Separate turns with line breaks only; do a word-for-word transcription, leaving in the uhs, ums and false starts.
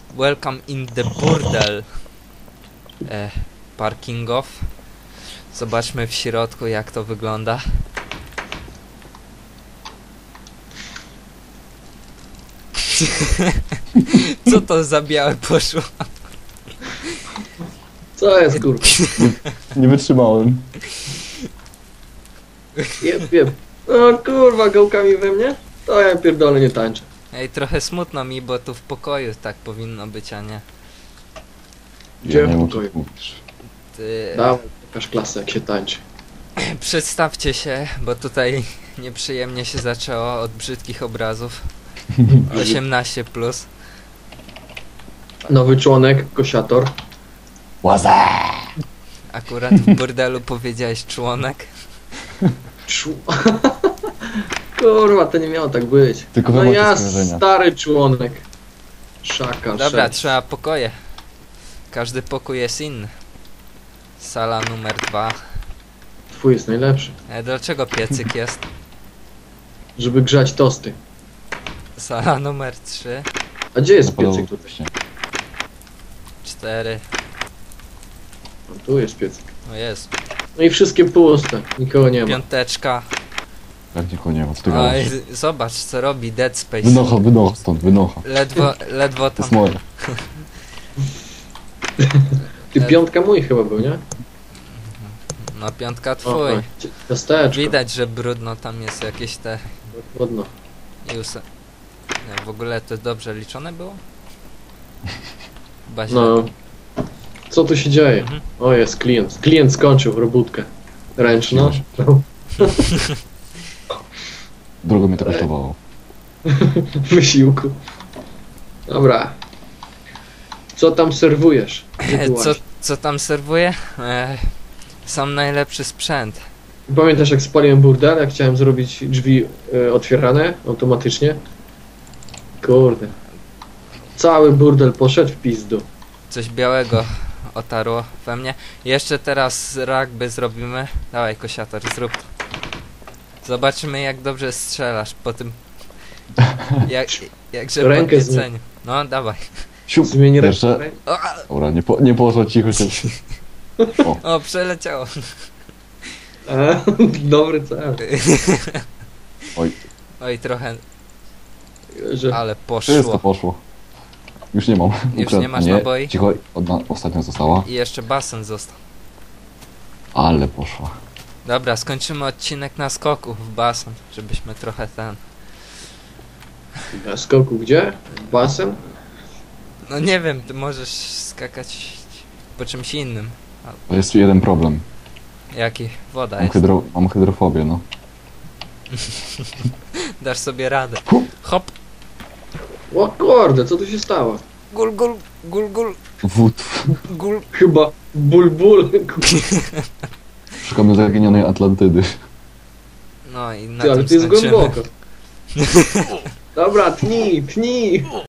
Welcome in the burdel e, parkingow. Zobaczmy w środku, jak to wygląda. Co to za białe poszło?
Co jest, kurwa?
Nie wytrzymałem.
Jeb, jeb. O kurwa, gałkami we mnie? To ja pierdolę nie tańczę.
Ej, trochę smutno mi, bo tu w pokoju tak powinno być, a nie.
Gdzie
Ja nie
w
wiem, o
pokoju?
czym mówisz.
Ty...
Dawaj, pokaż klasę, jak się tańczy.
Przedstawcie się, bo tutaj nieprzyjemnie się zaczęło od brzydkich obrazów. osiemnaście plus.
Nowy członek, kosiator.
Łaza!
Akurat w burdelu powiedziałeś członek.
Czu... Kurwa, to nie miało tak być.
Tylko
No
wy macie
ja,
skojarzenia.
stary członek. Szaka,
Dobra,
sześć.
trzeba pokoje. Każdy pokój jest inny. Sala numer dwa.
Twój jest najlepszy.
E, dlaczego piecyk jest?
Żeby grzać tosty.
Sala numer trzy,
A gdzie jest
Zapalowo
piecyk tutaj?
się.
cztery.
No, tu jest piecyk.
O jest.
No i wszystkie puste. Nikogo nie ma.
Piąteczka.
Jak nikogo nie ma, co ty
Oj,
gadasz?
zobacz co robi Dead Space.
Wynocha, wynocha stąd, wynocha.
Ledwo, ledwo
To
tam.
jest moje.
Ty piątka mój chyba był, nie?
No piątka
O,
twój.
o, ciasteczko.
Widać, że brudno tam jest jakieś te
Ładno.
Iuse. Nie, w ogóle to dobrze liczone było? Chyba źle.
No. Co tu się dzieje?
Mhm.
O, jest klient. Klient skończył robótkę. Ręczną.
Drogo mnie to kosztowało.
Wysiłku. Dobra. Co tam serwujesz? Gdzie ty
Co,
łazisz?
co tam serwuję? E, sam najlepszy sprzęt.
Pamiętasz jak spaliłem burdel, jak chciałem zrobić drzwi e, otwierane automatycznie? Kurde. Cały burdel poszedł w pizdu.
Coś białego otarło we mnie. Jeszcze teraz rugby zrobimy. Dawaj kosiator, zrób to. Zobaczymy jak dobrze strzelasz po tym. Jak, jakże
Rękę
podnieceniu. No dawaj.
Siup,
Zmień
jeszcze.
rękę.
O,
Dobra, nie, po, nie poszło cicho się. O,
o przeleciało.
A, dobry cel.
oj,
Oj trochę,
Że...
ale
wszystko
poszło.
poszło. Już nie mam.
Już
Ukradł
nie masz
mnie.
naboi?
Cicho, odna, ostatnia została.
I jeszcze basen został.
Ale poszła.
Dobra, skończymy odcinek na skoku w basen, żebyśmy trochę ten...
Na skoku gdzie? Basen?
No nie wiem, ty możesz skakać po czymś innym.
To jest jeden problem.
Jaki? Woda
Mam,
jest.
hydro, mam hydrofobię, no.
Dasz sobie radę. Hop!
O kurde, co tu się stało?
Gul, gul, gul, gul,
Wód.
gul.
Chyba ból, ból.
Szukamy zaginionej Atlantydy.
No i na
Ty, ale
tym
to jest
skończymy.
głęboko. Dobra, tnij, tnij.